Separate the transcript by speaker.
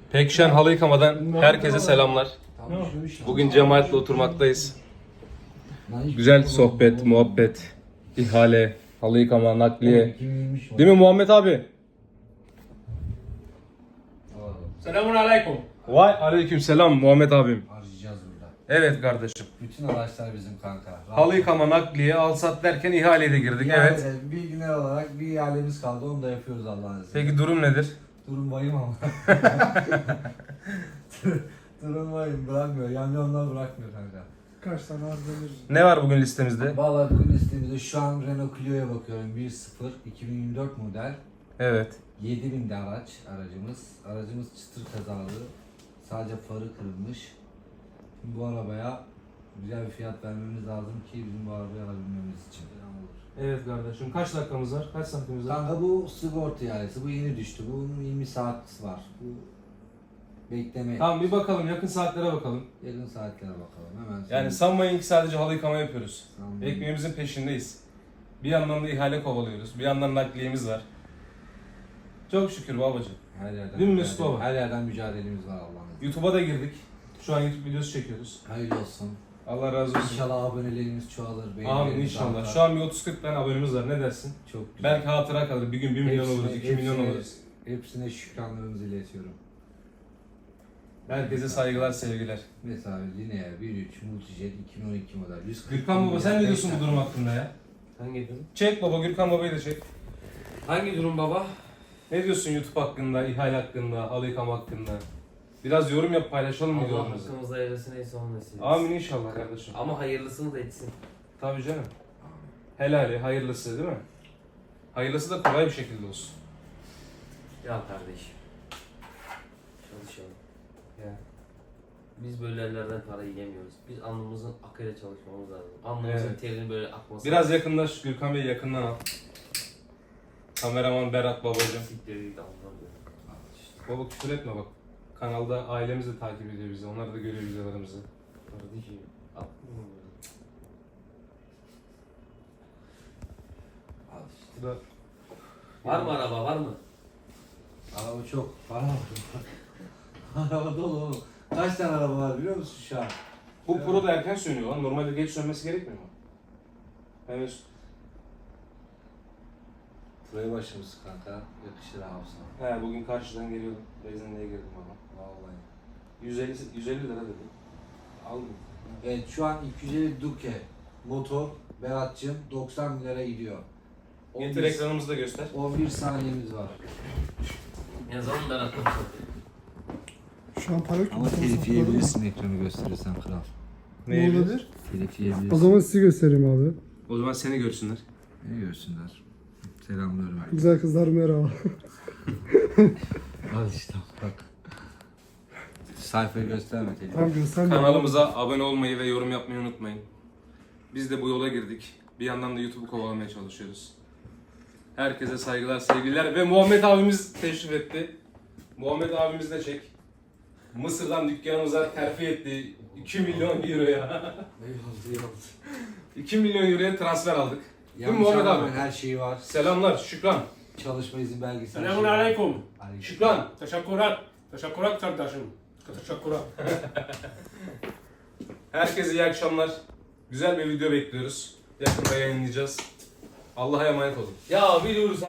Speaker 1: Pekşen halı yıkamadan herkese selamlar. Bugün cemaatle oturmaktayız. Güzel sohbet, muhabbet, ihale, halı yıkama, nakliye. Değil mi Muhammed abi?
Speaker 2: Selamun aleyküm.
Speaker 1: Vay aleyküm selam Muhammed abim.
Speaker 3: Harcayacağız burada.
Speaker 1: Evet kardeşim.
Speaker 3: Bütün araçlar bizim kanka.
Speaker 1: Halı yıkama, nakliye, al sat derken ihaleye de girdik. Evet.
Speaker 3: Bilgiler olarak bir ihalemiz kaldı. Onu da yapıyoruz Allah'ın izniyle.
Speaker 1: Peki durum nedir?
Speaker 3: Durum vahim ama. Durum vahim. Bırakmıyor. Yamyamlar bırakmıyor kanka.
Speaker 2: Kaç tane harcanır?
Speaker 1: Ne var bugün listemizde?
Speaker 3: Vallahi bugün listemizde şu an Renault Clio'ya bakıyorum. 1.0 2024 model.
Speaker 1: Evet.
Speaker 3: 7000'de aracımız. Aracımız çıtır kazalı. Sadece farı kırılmış. Şimdi bu arabaya güzel bir fiyat vermemiz lazım ki bizim bu arabayı alabilmemiz için.
Speaker 1: Evet kardeşim. Kaç dakikamız var? Kaç saatimiz var?
Speaker 3: Kanka bu sigorta ihalesi. Bu yeni düştü. Bunun 20 saat var. Bu bekleme.
Speaker 1: Tamam bir bakalım. Yakın saatlere bakalım.
Speaker 3: Yakın saatlere bakalım. Hemen.
Speaker 1: Yani sanmayın ki sadece halı yıkama yapıyoruz.
Speaker 3: Sanmayın.
Speaker 1: Ekmeğimizin peşindeyiz. Bir yandan da ihale kovalıyoruz. Bir yandan nakliyemiz var. Çok şükür babacığım.
Speaker 3: Her yerden
Speaker 1: Değil mi Mesut
Speaker 3: mücadele-
Speaker 1: baba?
Speaker 3: Her yerden mücadelemiz var Allah'ın izniyle.
Speaker 1: YouTube'a da girdik. Şu an YouTube videosu çekiyoruz.
Speaker 3: Hayırlı olsun.
Speaker 1: Allah razı olsun.
Speaker 3: İnşallah abonelerimiz çoğalır.
Speaker 1: Amin
Speaker 3: beğenilerimiz
Speaker 1: inşallah.
Speaker 3: artar.
Speaker 1: Şu an bir 30-40 tane abonemiz var. Ne dersin?
Speaker 3: Çok güzel.
Speaker 1: Belki hatıra kalır. Bir gün 1 milyon oluruz, 2 milyon oluruz.
Speaker 3: Hepsine şükranlarımızı iletiyorum.
Speaker 1: Herkese saygılar, sevgiler.
Speaker 3: Mesela Linear 1.3 Multijet 2012 model. 140
Speaker 1: Gürkan baba sen ne diyorsun bu durum hakkında ya?
Speaker 4: Hangi durum?
Speaker 1: Çek baba, Gürkan babayı da çek.
Speaker 4: Hangi durum baba?
Speaker 1: Ne diyorsun YouTube hakkında, ihale hakkında, halı yıkama hakkında? Biraz yorum yap, paylaşalım mı
Speaker 4: Allah
Speaker 1: yorumumuzu?
Speaker 4: hakkımızda hayırlısı neyse onu nasip etsin.
Speaker 1: Amin inşallah kardeşim.
Speaker 4: Ama hayırlısını da etsin.
Speaker 1: Tabii canım. Helali, hayırlısı değil mi? Hayırlısı da kolay bir şekilde olsun.
Speaker 4: Ya kardeşim. Çalışalım.
Speaker 1: Ya.
Speaker 4: Biz böyle ellerden para yiyemiyoruz. Biz alnımızın akıyla çalışmamız lazım. Alnımızın
Speaker 1: Evet.
Speaker 4: terinin böyle akması.
Speaker 1: Biraz yakınlaş, Gürkan Bey yakından al. Kameraman Berat babacığım.
Speaker 4: Siktir git anlamıyorum.
Speaker 1: Baba küfür etme bak. Kanalda ailemiz de takip ediyor bizi. Onlar da görüyor videolarımızı.
Speaker 4: Kardeşim. Aklım mı böyle?
Speaker 3: Al işte.
Speaker 1: Bu da
Speaker 4: Var mı araba var mı?
Speaker 3: Araba çok. Para var. Araba dolu oğlum. Kaç tane araba var biliyor musun şu an?
Speaker 1: Bu Pro da erken sönüyor lan. Normalde geç sönmesi gerekmiyor mu? Evet.
Speaker 3: Buraya başımız kanka. Yakışır abi sana.
Speaker 1: He bugün karşıdan geliyordum. Benzinliğe girdim baba.
Speaker 3: Vallahi.
Speaker 1: 150 lira dedi. Aldım.
Speaker 3: Evet şu an 250 Duke motor Berat'cığım 90 bin lira gidiyor.
Speaker 1: Getir ekranımızı da göster.
Speaker 3: 11 saniyemiz var.
Speaker 4: Yazalım ben aklım.
Speaker 2: Şu an para yok.
Speaker 3: Ama telif yiyebilirsin ekranı gösterirsen kral.
Speaker 2: Ne olabilir?
Speaker 3: Telif yiyebilirsin.
Speaker 2: O zaman sizi göstereyim abi.
Speaker 1: O zaman seni görsünler.
Speaker 3: Ne görsünler? Selamlıyorum herkese.
Speaker 2: Güzel kızlar merhaba.
Speaker 3: Al işte bak. Sayfayı gösterme telif.
Speaker 2: Tamam göstermiyorum.
Speaker 1: Kanalımıza abone olmayı ve yorum yapmayı unutmayın. Biz de bu yola girdik. Bir yandan da YouTube'u kovalamaya çalışıyoruz. Herkese saygılar, sevgiler ve Muhammed abimiz teşrif etti. Muhammed abimiz de çek. Mısır'dan dükkanımıza terfi etti. 2 milyon euroya.
Speaker 3: Eyvallah.
Speaker 1: 2 milyon euroya transfer aldık. Değil mi
Speaker 3: Yanlış
Speaker 1: Muhammed
Speaker 3: anlamayın,
Speaker 1: abi?
Speaker 3: her şeyi var.
Speaker 1: Selamlar, şükran.
Speaker 3: Çalışma izin belgesi. her
Speaker 2: Selamun
Speaker 3: şey var.
Speaker 2: aleyküm.
Speaker 3: Aleyküm.
Speaker 1: Şükran.
Speaker 2: Teşekkürler. Teşekkürler kardeşim. Teşekkürler.
Speaker 1: Herkese iyi akşamlar. Güzel bir video bekliyoruz. Yakında yayınlayacağız. Allah'a emanet olun.
Speaker 4: Ya biliyoruz.